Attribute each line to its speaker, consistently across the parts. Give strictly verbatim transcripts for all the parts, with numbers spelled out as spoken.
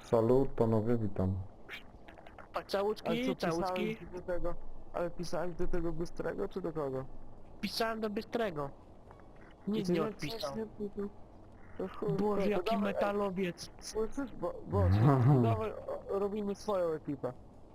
Speaker 1: Salut, panowie, witam.
Speaker 2: A
Speaker 3: Ale
Speaker 2: całuski,
Speaker 3: co
Speaker 2: całuski.
Speaker 3: pisałeś do tego? Ale pisałeś do tego Bystrego czy do kogo?
Speaker 2: Pisałem do Bystrego.
Speaker 3: I
Speaker 2: Nic
Speaker 3: ty
Speaker 2: nie
Speaker 3: nie nic
Speaker 2: odpisał.
Speaker 3: nie pisał. To chuj,
Speaker 2: Boże,
Speaker 3: to, to
Speaker 2: jaki
Speaker 3: dawaj, ej,
Speaker 2: metalowiec.
Speaker 3: słyszysz? Bo, bo, to dawaj, o, robimy swoją ekipę.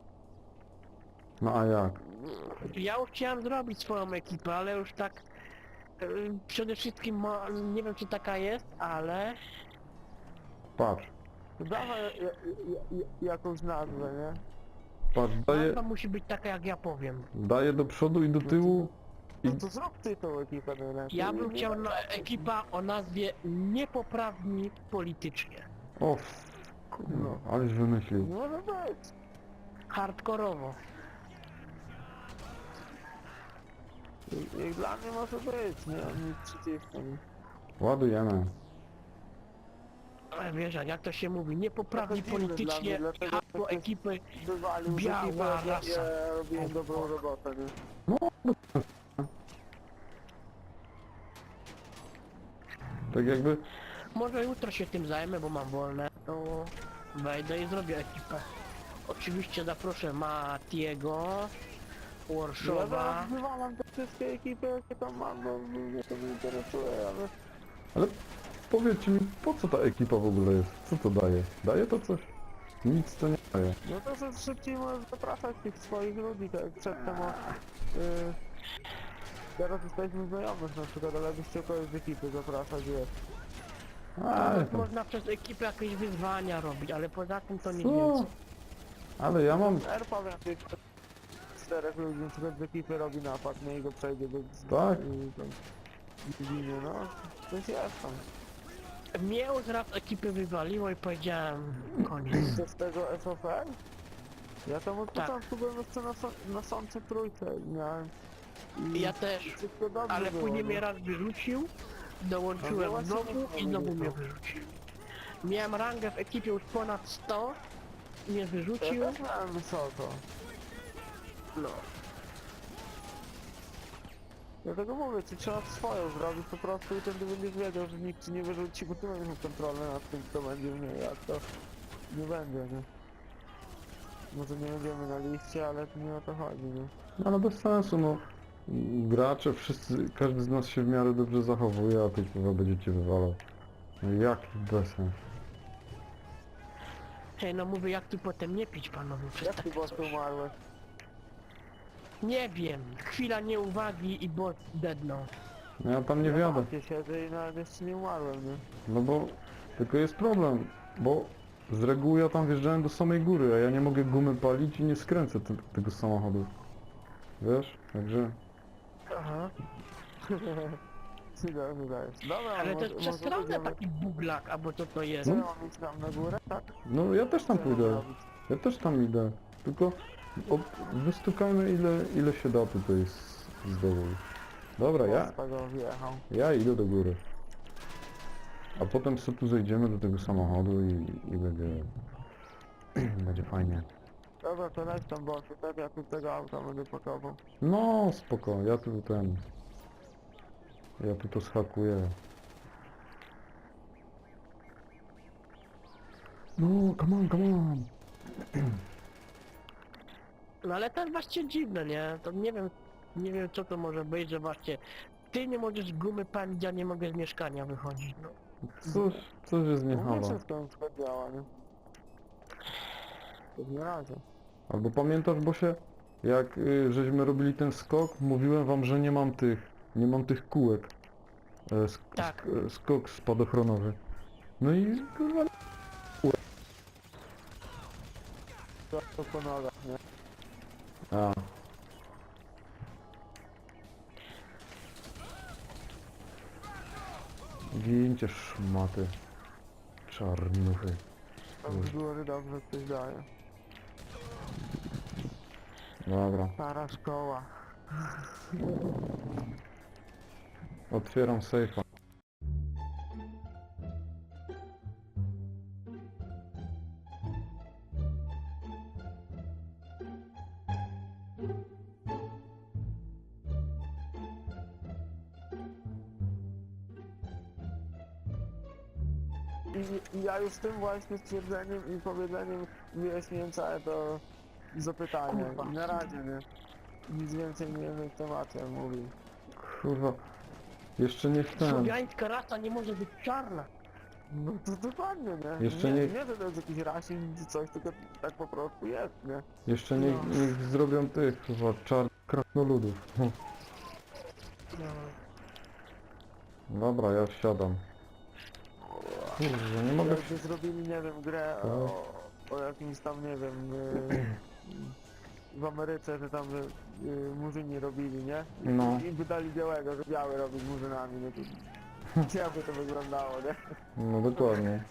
Speaker 1: No a jak?
Speaker 2: Ja już chciałem zrobić swoją ekipę, ale już tak... y, Przede wszystkim, mo- nie wiem czy taka jest, ale...
Speaker 1: Patrz,
Speaker 3: To dawaj ja, ja, ja, jakąś nazwę, nie?
Speaker 1: patrz, daję,
Speaker 2: Nazwa musi być taka jak ja powiem.
Speaker 1: daję do przodu i do tyłu i...
Speaker 3: No to zrób ty tą ekipę najlepiej.
Speaker 2: Ja bym
Speaker 3: Nie
Speaker 2: chciał
Speaker 3: daj
Speaker 2: na
Speaker 3: tak.
Speaker 2: ekipa o nazwie Niepoprawni politycznie.
Speaker 1: O, kurwa, aleś wymyślił.
Speaker 3: Nie może być.
Speaker 2: Hardkorowo.
Speaker 3: I, i dla mnie może być, nie? Nic przeciwko. nie?
Speaker 1: Ładujemy.
Speaker 2: Ale wiesz, jak to się mówi, niepoprawni
Speaker 3: Trochę dziwne dla mnie,
Speaker 2: politycznie,
Speaker 3: dlatego,
Speaker 2: hasło
Speaker 3: że-
Speaker 2: ekipy
Speaker 3: Wywalił z
Speaker 2: Biała
Speaker 3: ekipy, jak ja,
Speaker 2: rasa.
Speaker 3: ja robiłem dobrą robotę, nie?
Speaker 1: Tak jakby,
Speaker 2: Może jutro się tym zajmę, bo mam wolne, to wejdę i zrobię ekipę. Oczywiście zaproszę Matiego,
Speaker 3: Ja
Speaker 2: Warszawa.
Speaker 3: zaraz wywalam te wszystkie ekipy, jakie tam mam, bo mnie to nie interesuje, ale...
Speaker 1: ale powiedzcie mi, po co ta ekipa w ogóle jest? Co to daje? Daje to coś? Nic to nie daje.
Speaker 3: No to, że szybciej możesz zapraszać tych swoich ludzi, tak jak przedtem o... Yy, teraz jesteśmy znajomych na przykład, ale byście kogoś z ekipy zapraszać, wiesz.
Speaker 1: Ale
Speaker 2: To
Speaker 1: to...
Speaker 2: można przez ekipę jakieś wyzwania robić, ale poza tym to nic
Speaker 1: Co?
Speaker 2: więcej.
Speaker 1: Ale ja mam...
Speaker 3: R powiem tych czterech ludzi na przykład z ekipy robi napad, nie i go przejdzie do...
Speaker 1: Tak?
Speaker 3: Yy, tam, ginie, no. Coś jest tam.
Speaker 2: Mnie już raz ekipy wywaliło i powiedziałem koniec.
Speaker 3: To z tego S O F? Ja tam od
Speaker 2: Tak.
Speaker 3: początku byłem jeszcze na, so- na sądzie trójce i miałem... I
Speaker 2: Ja też,
Speaker 3: wszystko dobrze
Speaker 2: ale
Speaker 3: było,
Speaker 2: później
Speaker 3: nie?
Speaker 2: mnie raz wyrzucił,
Speaker 3: No
Speaker 2: dołączyłem
Speaker 3: właśnie
Speaker 2: znowu
Speaker 3: nie
Speaker 2: i znowu
Speaker 3: wiem,
Speaker 2: mnie
Speaker 3: to.
Speaker 2: wyrzucił. Miałem rangę w ekipie już ponad sto, mnie wyrzucił,
Speaker 3: Ja też miałem wysoko.
Speaker 2: no.
Speaker 3: Dlatego mówię, ci trzeba swoją zrobić po prostu i wtedy będziesz wiedział, że nikt ci nie wyrzuci, bo ty będziesz miał kontrolę nad tym, kto będzie w niej, a to nie będzie, nie? Może nie będziemy na liście, ale to nie o to chodzi, nie?
Speaker 1: No ale bez sensu, no. Gracze, wszyscy, każdy z nas się w miarę dobrze zachowuje, a ty chyba będziecie wywalał. No jaki bezsens.
Speaker 2: Hej, no mówię, jak tu potem nie pić panowie przez
Speaker 3: Jak ty
Speaker 2: takie
Speaker 3: boty
Speaker 2: coś.
Speaker 3: umarłeś?
Speaker 2: Nie wiem, chwila nieuwagi i bot deadnął.
Speaker 1: No ja tam nie
Speaker 3: Ja
Speaker 1: wiadę.
Speaker 3: w siedzę i nawet jeszcze nie umarłem, nie?
Speaker 1: No bo tylko jest problem, bo z reguły ja tam wjeżdżałem do samej góry, a ja nie mogę gumy palić i nie skręcę te, tego samochodu. Wiesz? Także...
Speaker 2: Aha.
Speaker 3: Syga, wydajesz. Dobra,
Speaker 2: Ale to
Speaker 3: może,
Speaker 2: jest
Speaker 3: może
Speaker 2: przestronne
Speaker 3: będziemy...
Speaker 2: taki buglak, albo co to jest.
Speaker 3: Co, mam iść tam na górę? Tak?
Speaker 1: No ja też tam
Speaker 3: Co mam
Speaker 1: pójdę.
Speaker 3: robić?
Speaker 1: Ja też tam idę. Tylko ob, wystukajmy ile, ile się da tutaj z, z dołu. Dobra, ja,
Speaker 3: Pospa go wjechał.
Speaker 1: ja idę do góry. A potem sobie tu zejdziemy do tego samochodu i, i będzie... będzie fajnie.
Speaker 3: Dobra, to leć tam bossy, tak ja tu tego auta będę pakował.
Speaker 1: No spoko, ja tu ten... Ja tu to schakuję. No, come on, come on.
Speaker 2: No ale to jest właśnie dziwne, nie? To nie wiem, nie wiem co to może być, że właśnie ty nie możesz gumy palić, ja nie mogę z mieszkania wychodzić, no.
Speaker 1: Coś, coś jest nie
Speaker 3: No
Speaker 1: halo.
Speaker 3: wszystko na przykład działa, nie? To nie razie.
Speaker 1: Albo pamiętasz, bo się jak y, żeśmy robili ten skok, mówiłem wam, że nie mam tych, nie mam tych kółek. E, sk
Speaker 2: Tak.
Speaker 1: sk e, skok spadochronowy. No i kurwa...
Speaker 3: To, to po nogach, nie?
Speaker 1: A. Gincie szmaty. Czarnuchy.
Speaker 3: Tam z góry dobrze coś daje.
Speaker 1: Dobra,
Speaker 3: Stara szkoła.
Speaker 1: otwieram sejfa.
Speaker 3: i, i ja już tym właśnie stwierdzeniem i powiedzeniem wyjaśniłem całe to zapytanie.
Speaker 2: Kurwa.
Speaker 3: I na razie, nie? Nic więcej nie wiem, temat ja mówił.
Speaker 1: Kurwa. Jeszcze niech ten...
Speaker 2: Słowiańska rasa nie może być czarna.
Speaker 3: No to dokładnie, nie?
Speaker 1: Jeszcze
Speaker 3: nie,
Speaker 1: nie-
Speaker 3: nie, że to jest jakiś rasizm czy coś, tylko tak po prostu jest, nie?
Speaker 1: Jeszcze niech,
Speaker 2: No.
Speaker 1: niech zrobią tych, kurwa, czarnych krasnoludów. Hm.
Speaker 2: No.
Speaker 1: Dobra, ja wsiadam. Kurwa, nie mogę...
Speaker 3: Jakby zrobili, nie wiem, grę o, o jakimś tam, nie wiem, y, w Ameryce, że tam y, y, murzyni robili, nie? I,
Speaker 1: No.
Speaker 3: I by dali białego, że biały robi z murzynami, no to jakby to wyglądało, nie?
Speaker 1: No dokładnie.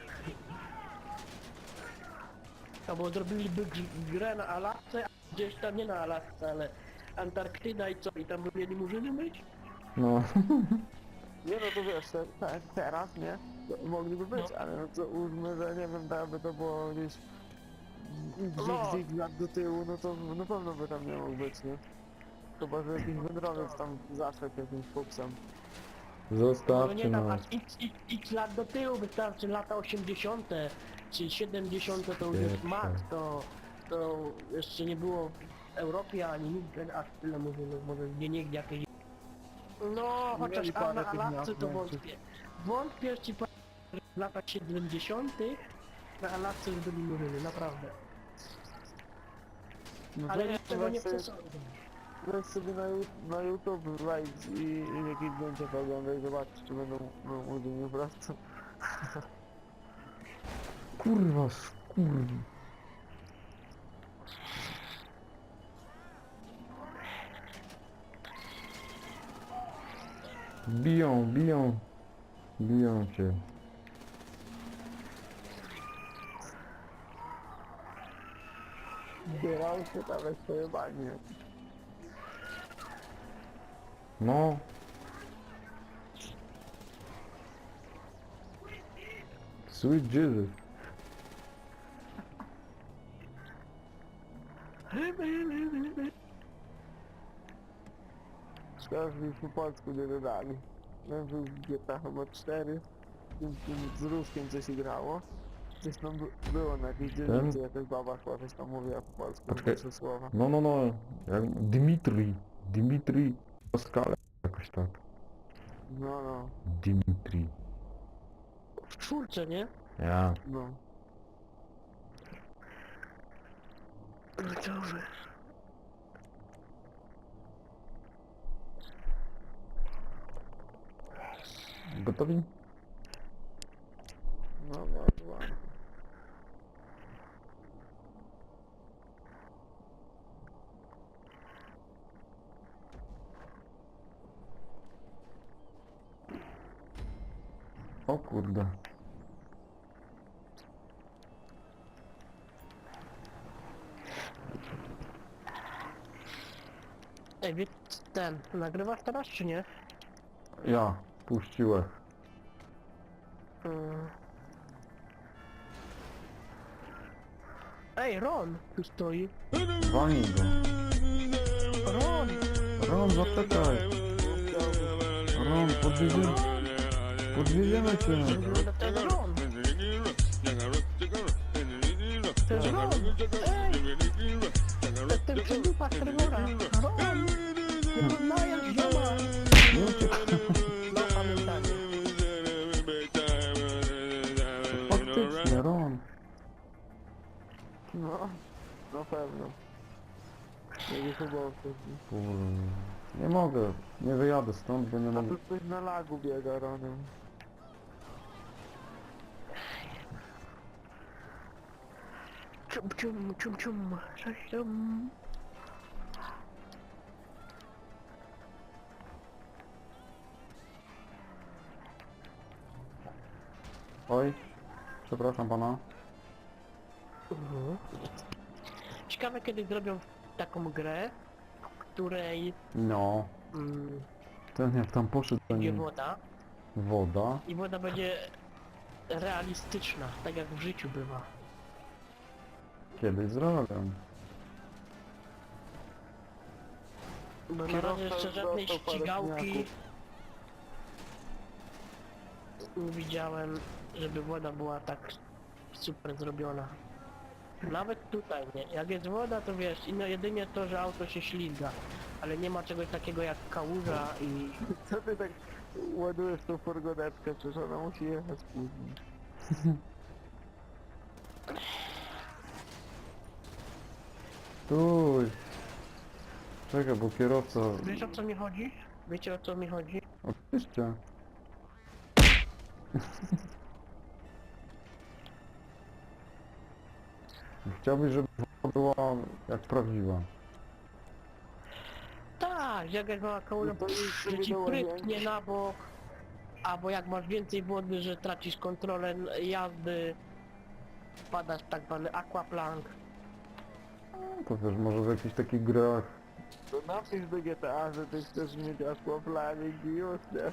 Speaker 2: Albo zrobiliby gr- grę na Alasce, a gdzieś tam nie na Alasce, ale Antarktyda i co? I tam by mieli murzyny być?
Speaker 1: No.
Speaker 3: Nie no to wiesz, te, te, teraz, nie? To mogliby być,
Speaker 2: No.
Speaker 3: ale no to uznmy, że nie wiem, tak by to było gdzieś
Speaker 2: No.
Speaker 3: dzik, dzik lat do tyłu, no to na pewno by tam nie mógł być, nie? Chyba, że jakiś wędrowiec tam zaszedł jakimś fuksem.
Speaker 2: No
Speaker 1: Zostawcie
Speaker 2: nie tam
Speaker 1: nas.
Speaker 2: aż x, x, x lat do tyłu, wystarczy lata osiemdziesiąte czy siedemdziesiąte to już jest
Speaker 1: Pierwsze.
Speaker 2: max, to, to jeszcze nie było w Europie ani nigdy aż tyle murzynów, może gdzie niegdzie jakieś... No, chociaż
Speaker 3: Mieli
Speaker 2: a
Speaker 3: parę
Speaker 2: na
Speaker 3: tych
Speaker 2: Alasce
Speaker 3: miast
Speaker 2: to
Speaker 3: większych.
Speaker 2: wątpię. Wątpię, że ci powiem, że w latach siedemdziesiątych na Alasce już byli murzyny, naprawdę.
Speaker 3: No
Speaker 2: Ale
Speaker 3: to
Speaker 2: ja tego nie
Speaker 3: weź sobie-
Speaker 2: przesądzę.
Speaker 3: Weź sobie na, Ju- na YouTube wejdź i, i jakieś zdjęcia pooglądaj, zobacz czy będą no, murzyni po prostu.
Speaker 1: Kurwa, skurw. Biją, biją. Biją cię.
Speaker 3: Zbierał się tam jak pojebanie.
Speaker 1: No. Sweet Jesus.
Speaker 3: Szkoda, że już po polsku nie dodali. Wiem, że już G T A chyba cztery, tym, tym z Ruskiem coś grało. Coś tam by- było na jakiejś dzielnicy, jakaś baba chyba coś tam mówiła po polsku,
Speaker 1: Poczekaj.
Speaker 3: trzy słowa.
Speaker 1: No, no, no. Jak Dimitri. Dimitri Pascal. Jakoś tak.
Speaker 3: No, no,
Speaker 1: Dimitri.
Speaker 2: W czwórce, nie?
Speaker 1: Ja.
Speaker 3: no.
Speaker 2: Dobrze.
Speaker 1: Gotowi?
Speaker 3: No, bardzo ładnie.
Speaker 1: O kurde.
Speaker 2: Ej, wie, ten, nagrywasz teraz czy nie?
Speaker 1: Ja. Puściłem.
Speaker 2: Mm. Ej, Ron tu stoi.
Speaker 1: Walnij go.
Speaker 2: Ron!
Speaker 1: Ron, zaczekaj. Ron, podwieziemy. Podwieziemy cię.
Speaker 2: No to jest Ron! To jest Ron! Ej! To jest ten przydupa Trevora! Ron! Nie poznajesz zioma!
Speaker 1: Nie uciekaj.
Speaker 2: No pamiętanie.
Speaker 1: Faktycznie, Ron.
Speaker 3: No, na pewno. Nie chyba wcześniej.
Speaker 1: Kurde. Nie mogę. Nie wyjadę stąd, bo nie
Speaker 3: A
Speaker 1: mogę.
Speaker 3: tu ktoś na lagu biega Ronem.
Speaker 2: Cium, cium, cium, cium, coś tam.
Speaker 1: Oj. Przepraszam pana.
Speaker 2: Mhm. Ciekawe kiedy zrobią taką grę, w której
Speaker 1: No.
Speaker 2: mm,
Speaker 1: Ten jak tam poszedł, to
Speaker 2: będzie
Speaker 1: nie...
Speaker 2: woda
Speaker 1: Woda.
Speaker 2: i woda będzie realistyczna, tak jak w życiu bywa.
Speaker 1: Kiedyś zrobię.
Speaker 2: Bo na
Speaker 3: Kierowca
Speaker 2: razie jeszcze żadnej
Speaker 3: dostał parę
Speaker 2: ścigałki
Speaker 3: pniaków.
Speaker 2: nie widziałem żeby woda była tak super zrobiona. Nawet tutaj, nie? Jak jest woda, to wiesz, no jedynie to, że auto się ślizga. Ale nie ma czegoś takiego jak kałuża i...
Speaker 3: Co ty tak ładujesz tą furgonetkę? Przecież ona musi jechać później.
Speaker 1: Stój! Czekaj, bo kierowca...
Speaker 2: Wiesz o co mi chodzi? Wiecie o co mi chodzi?
Speaker 1: Oczywiście. Chciałbyś, żeby woda była jak prawdziwa.
Speaker 2: Tak, jak jak mała kałuża,
Speaker 3: No to idź
Speaker 2: że
Speaker 3: sobie
Speaker 2: ci
Speaker 3: do
Speaker 2: prytnie
Speaker 3: łazienki.
Speaker 2: na bok. Albo jak masz więcej wody, że tracisz kontrolę jazdy. Wpadasz w tak zwany aquaplank.
Speaker 1: No to wiesz, może w jakichś takich grach...
Speaker 3: To napisz do G T A, że ty chcesz mieć aquaplaning i już nie.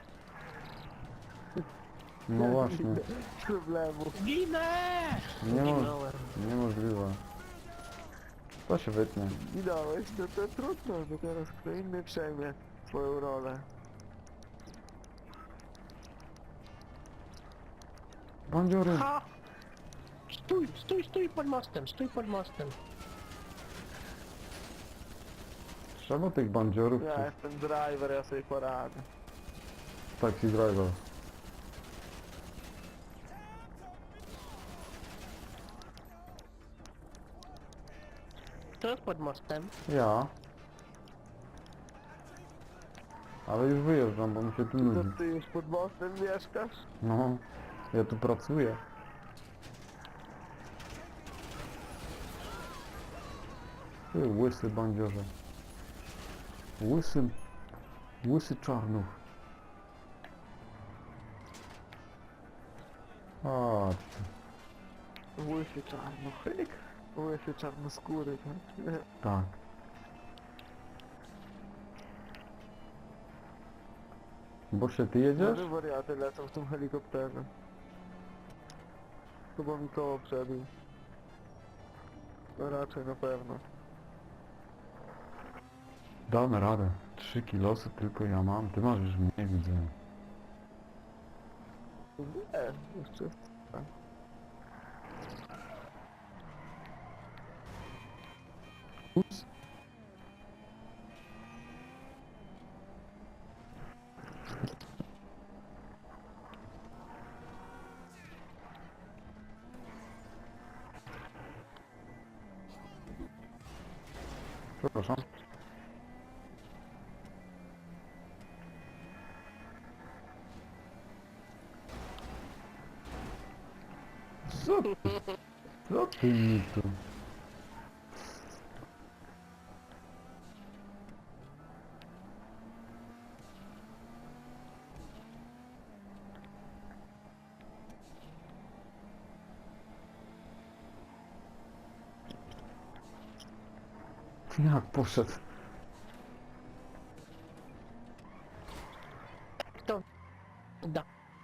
Speaker 1: No właśnie.
Speaker 3: Problemu.
Speaker 2: Ginę!
Speaker 1: Nie mo-
Speaker 2: Ginąłem.
Speaker 1: Niemożliwe. To się wytnie.
Speaker 3: Minąłeś, no to trudno, bo teraz kto inny przejmie twoją rolę.
Speaker 1: Bandziory!
Speaker 2: Ha! Stój, stój, stój pod mostem, stój pod mostem.
Speaker 1: Trzeba tych bandziorów
Speaker 3: Ja
Speaker 1: czy
Speaker 3: jestem driver, ja sobie poradzę.
Speaker 1: taxi driver.
Speaker 2: Kto jest pod mostem?
Speaker 1: Ja. Ale już wyjeżdżam, bo mi się tu
Speaker 3: To
Speaker 1: nudzi.
Speaker 3: ty już pod mostem mieszkasz?
Speaker 1: No, ja tu pracuję. Ty łysy bandziorze. Łysy... Łysy czarnuch. Chodź.
Speaker 3: Łysy czarnochyk? Łysy czarnoskóry, tak?
Speaker 1: Tak. Bo się ty jedziesz?
Speaker 3: Może wariaty lecą w tym helikopterze. Chyba mi koło przebił. No raczej na pewno.
Speaker 1: Damy radę. Trzy kilosy tylko ja mam. Ty masz już mniej, widzę.
Speaker 3: Nie, jeszcze... tak.
Speaker 1: Ups. Przepraszam. Co ty? Co ty mi tu? Jak poszedł?
Speaker 2: Kto? Da.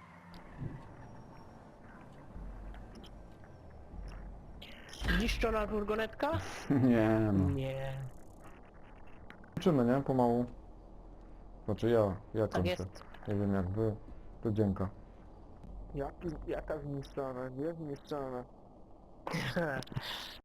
Speaker 2: Zniszczona furgonetka?
Speaker 1: Nie no.
Speaker 2: Nie.
Speaker 1: Kończymy, nie? Pomału. Znaczy ja, ja
Speaker 2: Tak
Speaker 1: kończę.
Speaker 2: jest.
Speaker 1: Nie wiem jak wy. To dzięka.
Speaker 3: Jaki, jaka zniszczona? Nie zniszczona.